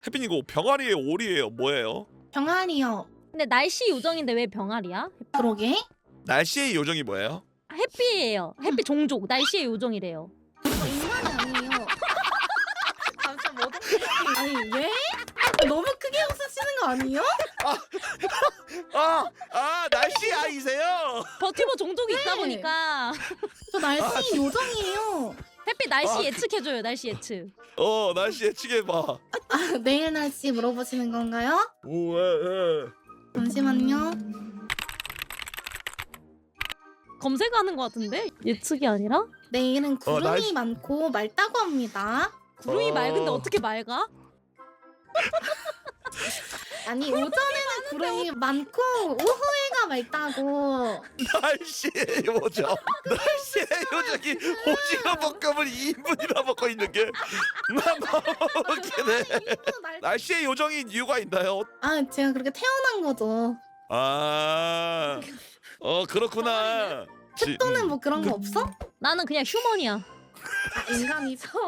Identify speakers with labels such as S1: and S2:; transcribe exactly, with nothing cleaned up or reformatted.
S1: 혜빈이 이거 병아리예요, 오리예요, 뭐예요?
S2: 병아리요.
S3: 근데 날씨 요정인데 왜 병아리야?
S2: 그러게.
S1: 날씨의 요정이 뭐예요?
S3: 아, 햇빛이에요. 햇빛 종족. 날씨의 요정이래요.
S2: 저 인간이 아니에요. 잠시만 뭐 아니 예? 너무 크게 웃으시는 거 아니에요?
S1: 아, 아 날씨 아이세요?
S3: 버티버 종족이 있다
S2: 네.
S3: 보니까
S2: 저 날씨
S1: 아,
S2: 요정이에요.
S3: 햇빛 날씨
S1: 아,
S3: 예측해줘요. 날씨 예측.
S1: 어 날씨 예측해봐.
S2: 아, 내일 날씨 물어보시는 건가요?
S1: 오, 예, 예.
S2: 잠시만요.
S3: 검색하는 것 같은데? 예측이 아니라?
S2: 내일은 구름이
S1: 날씨-
S2: 많고 맑다고 합니다.
S3: 구름이
S1: 어.
S3: 맑은데 어떻게 맑아?
S2: 아니 오전에는 구름이 많고 오후에가 맑다고.
S1: 날씨의 요정. 날씨의 요정이 오징어 볶음을 이 인분이나 먹고 있는 게 난 너무 웃기네. 날씨의 요정인 이유가 있나요?
S2: 아 제가 그렇게 태어난 거죠.
S1: 아, 어 그렇구나. 지-
S2: 또는 뭐 그런 거 없어?
S3: 나는 그냥 휴먼이야.
S2: 아, 인간이죠.